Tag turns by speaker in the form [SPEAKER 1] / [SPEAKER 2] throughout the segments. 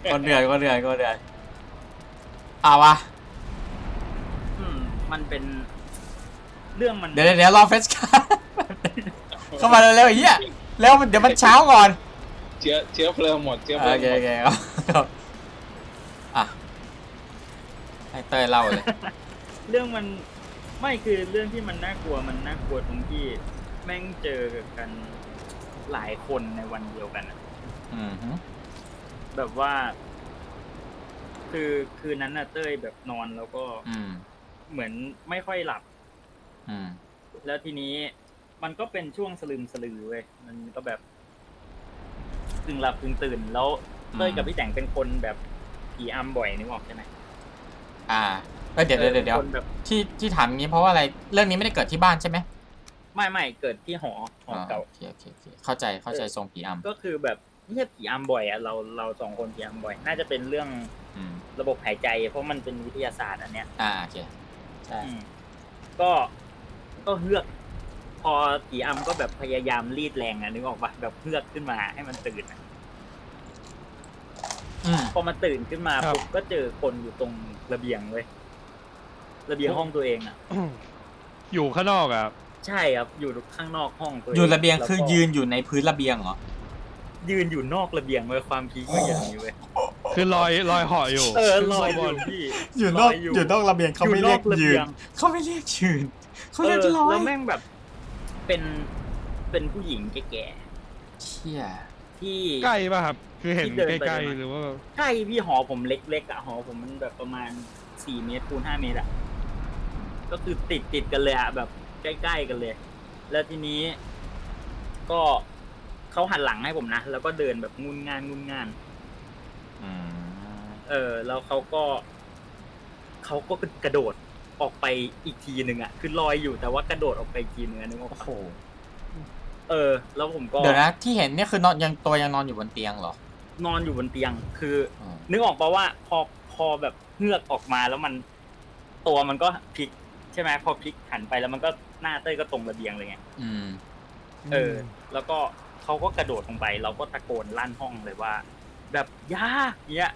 [SPEAKER 1] คนเดือดเอาวะ
[SPEAKER 2] มันเป็นเรื่องมัน
[SPEAKER 1] เดี๋ยวรอเฟสกันเข้ามาเร็วๆไอ้เหี้ยแล้วเดี๋ยวมันเช้าก่อน
[SPEAKER 3] เชื้อเพลิงหมดเชื้อเพลิงหมด
[SPEAKER 1] โอเคอ่ะให้เต้ยเล่าเลย
[SPEAKER 2] เรื่องมันไม่คือเรื่องที่มันน่ากลัวตรงที่แม่งเจอกันหลายคนในวันเดียวกันแบบว่าคือคืนนั้นน่ะเต้ยแบบนอนแล้วก็เหมือนไม่ค่อยหลับแล้วทีนี้มันก็เป็นช่วงสลือเว้ยมันก็แบบกึ่งหลับกึ่งตื่นแล้วเต้ยกับพี่แต่งเป็นคนแบบผีอำบ่อยนึกออกใช่ไหม
[SPEAKER 1] เดี๋ยวที่ถามงี้เพราะว่าอะไรเรื่องนี้ไม่ได้เกิดที่บ้านใช่ไหม
[SPEAKER 2] ไม่เกิดที่หอเก่า
[SPEAKER 1] โอเคเข้าใจทรงผีอำ
[SPEAKER 2] ก็คือแบบไม่ใช่ผีอำบ่อยอ่ะเราสองคนผีอำบ่อยน่าจะเป็นเรื่องระบบหายใจเพราะมันเป็นวิทยาศาสตร์อันเนี้ย
[SPEAKER 1] โอเคใช่
[SPEAKER 2] ก็เฮือกพอผีอำก็แบบพยายามรีดแรงนึกออกปะแบบเฮือกขึ้นมาให้มันตื่นพอมันตื่นขึ้นมาปุ๊บก็เจอคนอยู่ตรงระเบียงเว้ยระเบียงห้องตัวเอง
[SPEAKER 4] อยู่ข้างนอก
[SPEAKER 2] ใช่ครับอยู่ข้างนอกห้องตัวเอง
[SPEAKER 1] อยู่ระเบียงคือยืนอยู่ในพื้นระเบียงเหรอ
[SPEAKER 2] ยืนอยู่นอกระเบียงเว้ยความพีคมันอย่างนี้เว้ย
[SPEAKER 4] คือลอยเหาะอยู่
[SPEAKER 2] ลอยอยู่พี่
[SPEAKER 1] อยู่นอกระเบียงเขาไม่เรียกยืนเขาเรียกลอย
[SPEAKER 2] แล้วแม่งแบบเป็นผู้หญิงแก่
[SPEAKER 1] ๆเชี่ย
[SPEAKER 2] ที่
[SPEAKER 4] ใกล้ป่ะครับคือเห็นใกล้ๆหรือว่า
[SPEAKER 2] ใกล้พี่หอผมเล็กๆหอผมมันแบบประมาณ4 เมตรคูณ5 เมตรก็คือติดกันเลยแบบใกล้ๆกันเลยแล้วทีนี้ก็เขาหันหลังให้ผมนะแล้วก็เดินแบบงุนง่านแล้วเขาก็กระโดดออกไปอีกทีหนึ่งคือลอยอยู่แต่ว่ากระโดดออกไปอีกทีนึงนึกว่าโอ้โหแล้วผมก็
[SPEAKER 1] เดี๋ยวนะที่เห็นเนี่ยคือนอนยังนอนอยู่บนเตียงเหร
[SPEAKER 2] อนอนอยู่บนเตียงคือนึกออกป่ะว่าพอแบบเงือกออกมาแล้วมันตัวมันก็พลิกใช่ไหมพอพลิกหันไปแล้วมันก็หน้าเต้ยก็ตรงระเบียงเลยไงแล้วก็เขาก็กระโดดลงไปเราก็ตะโกนลั่นห้องเลยว่าแบบยาเงี้ย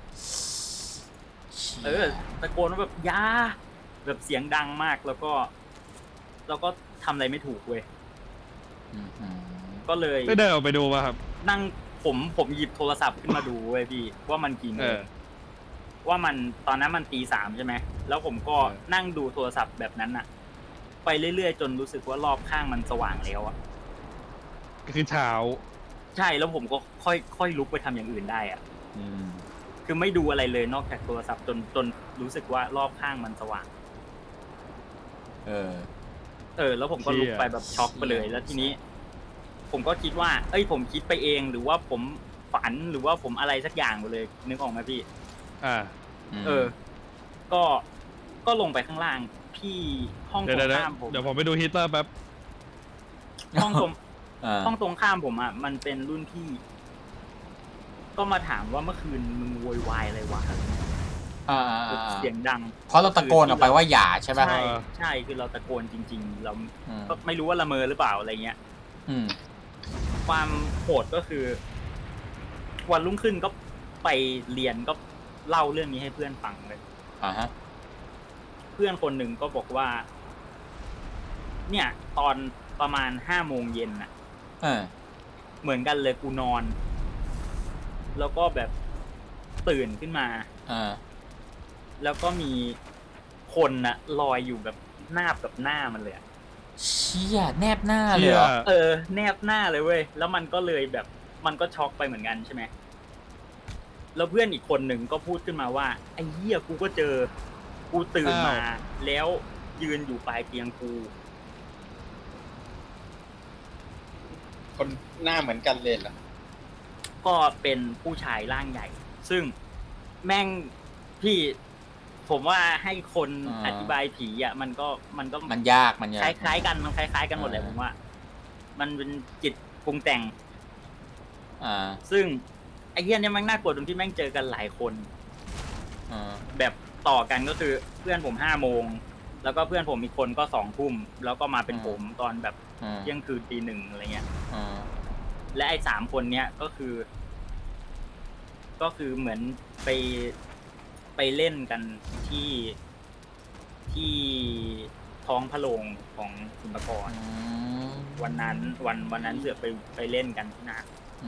[SPEAKER 2] ตะโกนว่าแบบยาแบบเสียงดังมากแล้วก็ทำอะไรไม่ถูกเว้ยก็เลย
[SPEAKER 4] ได้เดินออกไปดูป่ะครับ
[SPEAKER 2] นั่งผมหยิบโทรศัพท์ขึ้นมาดูเว้ยพี่ว่ามันกี่โมงว่ามันตอนนั้นมันตี 3ใช่ไหมแล้วผมก็นั่งดูโทรศัพท์แบบนั้นไปเรื่อยๆจนรู้สึกว่ารอบข้างมันสว่างแล้ว
[SPEAKER 4] ก็คือเช้า
[SPEAKER 2] ใช่แล้วผมก็ค่อยลุกไปทำอย่างอื่นได้คือไม่ดูอะไรเลยนอกจากโทรศัพท์จนรู้สึกว่ารอบข้างมันสว่างแล้วผมก็ลุกไปแบบช็อกไปเลยแล้วทีนี้ผมก็คิดว่าผมคิดไปเองหรือว่าผมฝันหรือว่าผมอะไรสักอย่างไปเลยนึกออกไหมพี่ก็ลงไปข้างล่างพี่ห้องตรงข้ามผม
[SPEAKER 4] เดี๋ยวผมไปดูฮีตเตอร์แป๊บ
[SPEAKER 2] ห้องตรงข้ามผมมันเป็นรุ่นพี่ก็มาถามว่าเมื่อคืนมึงโวยวายอะไรวะเสียงดัง
[SPEAKER 1] เพราะเราตะโกนออกไปว่าอย่าใช่ไหม
[SPEAKER 2] ใช่คือเราตะโกนจริงๆเราก็ไม่รู้ว่าละเมอหรือเปล่าอะไรเงี้ยความโหดก็คือวันรุ่งขึ้นก็ไปเรียนก็เล่าเรื่องนี้ให้เพื่อนฟังเลยเพื่อนคนหนึ่งก็บอกว่าเนี่ยตอนประมาณ5 โมงเย็นเหมือนกันเลยกูนอนแล้วก็แบบตื่นขึ้นมาแล้วก็มีคนลอยอยู่แบบแนบกับหน้ามันเลย
[SPEAKER 1] เชี่ยแนบหน้าเลย
[SPEAKER 2] แนบหน้าเลยเว้ยแล้วมันก็เลยแบบมันก็ช็อกไปเหมือนกันใช่ไหมแล้วเพื่อนอีกคนหนึ่งก็พูดขึ้นมาว่าไอ้เหี้ยกูก็เจอกูตื่นมาแล้วยืนอยู่ปลายเตียงกู
[SPEAKER 3] คนหน้าเหมือนกันเลยเหรอ
[SPEAKER 2] ก็เป็นผู้ชายร่างใหญ่ซึ่งแม่งพี่ผมว่าให้คนอธิบายผีมัน
[SPEAKER 1] ยาก
[SPEAKER 2] คล้ายๆกันมันคล้ายๆกันหมดเลยผมว่ามันเป็นจิตปรุงแต่งซึ่งไอ้เหี้ยเนี่ยมันน่ากลัวตรงที่แม่งเจอกันหลายคนแบบต่อกันก็คือเพื่อนผม5 โมงแล้วก็เพื่อนผมอีกคนก็2 ทุ่มแล้วก็มาเป็นผมตอนแบบเที่ยงคืนตี 1อะไรเงี้ยและไอ้3 คนเนี้ยก็คือก็คือเหมือนไปเล่นกันที่ท้องพระโรงของศิลปากรวันนั้นเสือกไปเล่นกันที่นั่น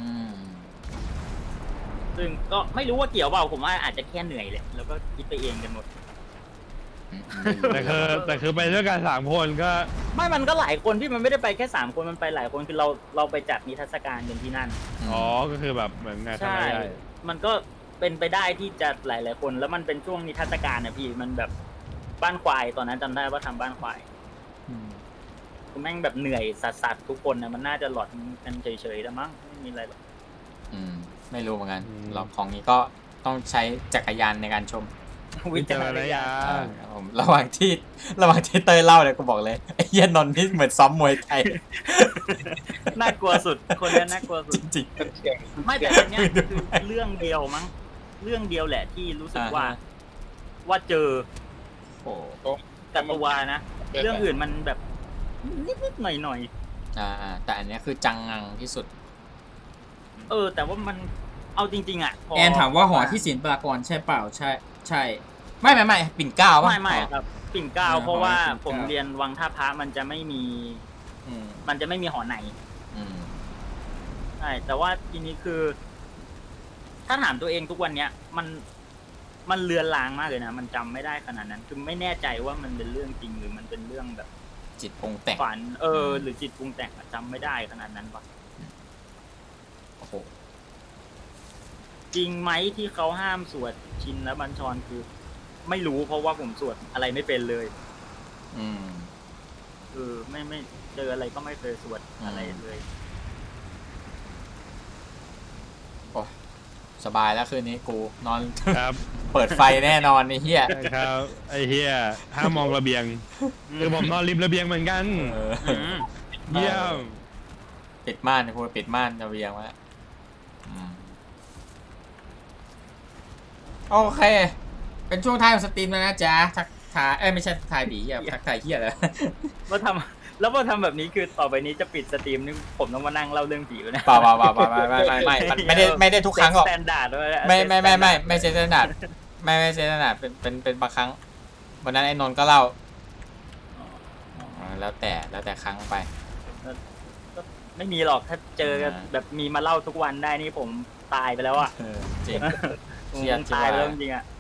[SPEAKER 2] ซึ่งก็ไม่รู้ว่าเกี่ยวเปล่าผมว่าอาจจะแค่เหนื่อยเลยแล้วก็คิดไปเองกันหมด
[SPEAKER 4] แต่คือไปด้วยกัน3 คนก็
[SPEAKER 2] ไม่มันก็หลายคนที่มันไม่ได้ไปแค่3 คนมันไปหลายคนคือเราไปจัดนิทรรศการกันที่นั่น
[SPEAKER 4] อ๋อก็คือแบบเหมือนงาน
[SPEAKER 2] ใช่มันก็เป็นไปได้ที่จะหลายคนแล้วมันเป็นช่วงนิทรรศการนะพี่มันแบบบ้านควายตอนนั้นจำได้ว่าทำบ้านควายคือแม่งแบบเหนื่อยสัสๆทุกคนนะมันน่าจะหลอดกันเฉยๆแต่มั้งไม่มีอะไรหรอก
[SPEAKER 1] ไม่รู้เหมือนกันเราของนี้ก็ต้องใช้จักรยานในการชม
[SPEAKER 4] วิจารณญาณ
[SPEAKER 1] ระหว่างที่เตยเล่าเนี่ยกูบอกเลยไอ้เหี้ยนนท์นี่เหมือนซ้อมมวยไทย
[SPEAKER 2] น่ากลัวสุดคนนี้น่ากลัวสุด
[SPEAKER 1] จริง
[SPEAKER 2] ๆไม่แต่อันเนี้ยคือเรื่องเดียวมั้งเรื่องเดียวแหละที่รู้สึกว่าเจอกับตัวนะเรื่องอื่นมันแบบนิดๆหน่อย
[SPEAKER 1] ๆแต่อันนี้คือจังงังที่สุด
[SPEAKER 2] แต่ว่ามันเอาจริงๆอ่ะ
[SPEAKER 1] แอนถามว่าหอที่ศิลปากรใช่เปล่าใช่ไม่ปิ่นเกล้าป่ะ
[SPEAKER 2] ไม่ครับปิ่นเกล้าเพราะว่าผมเรียนวังท่าพระมันจะไม่มีหอในใช่แต่ว่าทีนี้คือถ้าถามตัวเองทุกวันเนี้ยมันเลือนลางมากเลยนะมันจำไม่ได้ขนาดนั้นคือไม่แน่ใจว่ามันเป็นเรื่องจริงหรือมันเป็นเรื่องแบบ
[SPEAKER 1] จิตปรุงแต่ง
[SPEAKER 2] ฝันหรือจิตปรุงแต่งจำไม่ได้ขนาดนั้นปะ
[SPEAKER 1] โอ้โห
[SPEAKER 2] จริงไหมที่เขาห้ามสวดชินและบัญชรคือไม่รู้เพราะว่าผมสวดอะไรไม่เป็นเลยไม่เจออะไรก็ไม่เคยสวดอะไรเลย
[SPEAKER 1] โอ้สบายแล้วคืนนี้กูนอน
[SPEAKER 4] ครับ
[SPEAKER 1] เปิดไฟแน่นอนไอ้เหี้ย
[SPEAKER 4] ครับไอ้เหี้ยห้ามมองระเบียงคือผมนอนริมระเบียงเหมือนกันเยี่ยม
[SPEAKER 1] ปิดม่านกูปิดม่านระเบียงไว้โอเคเป็นช่วงท้ายของสตรีมแล้วนะจ๊ะทักทายไม่ใช่ทักทายผีทักทายเหี้ยเลย
[SPEAKER 2] ว่าทำแบบนี้คือต่อไปนี้จะปิดสตรีมนี่ผมต้องมานั่งเล่าเรื่องผีนะ
[SPEAKER 1] เปล่าไม่ได้ทุกครั้งหรอก
[SPEAKER 2] สแตนดาร์ด
[SPEAKER 1] ไม่เซตสแตนดาร์ดไม่เซตสแตนดาร์ดเป็นบางครั้งวันนั้นไอ้นนท์ก็เล่าแล้วแต่ครั้งไป
[SPEAKER 2] ไม่มีหรอกถ้าเจอแบบมีมาเล่าทุกวันได้นี่ผมตายไปแล้วอ่ะ
[SPEAKER 1] จริง
[SPEAKER 2] ตายไปแล้วจริงอ่ะ